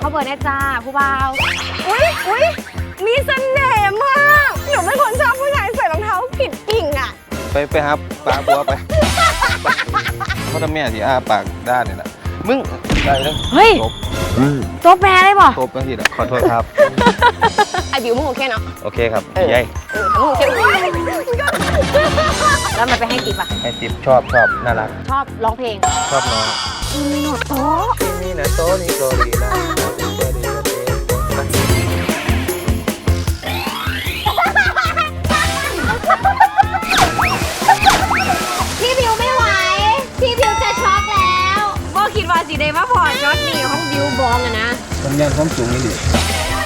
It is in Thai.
เบอร์แน่จ้าผู้บ่าวอุ๊ยมีเสน่ห์มากหนูเป็นคนชอบผู้ชายใส่รองเท้าผิดกิ่งอ่ะไปครับปลาบัวไปเพราะถ้าแม่ที่อ้าปากด้านนี่แหละมึงได้แล้วเฮ้ยจบตัวแปรได้ป่ะจบแล้วทีละขอโทษครับไอบิวมึงโอเคเนาะโอเคครับยัยถ้ามึงโอเคแล้วมันไปให้ติ๊บอ่ะให้ติ๊บชอบน่ารักชอบร้องเพลงชอบน้องมีหนวดโต๊ะนี่นะโตนี่โตดีนะพี่บิวไม่ไหวพี่บิวจะช็อกแล้วบ่คิดว่าสิได้มาพอจอดนี่ของบิวบองอะนะทำงานความสูงนี่ดิ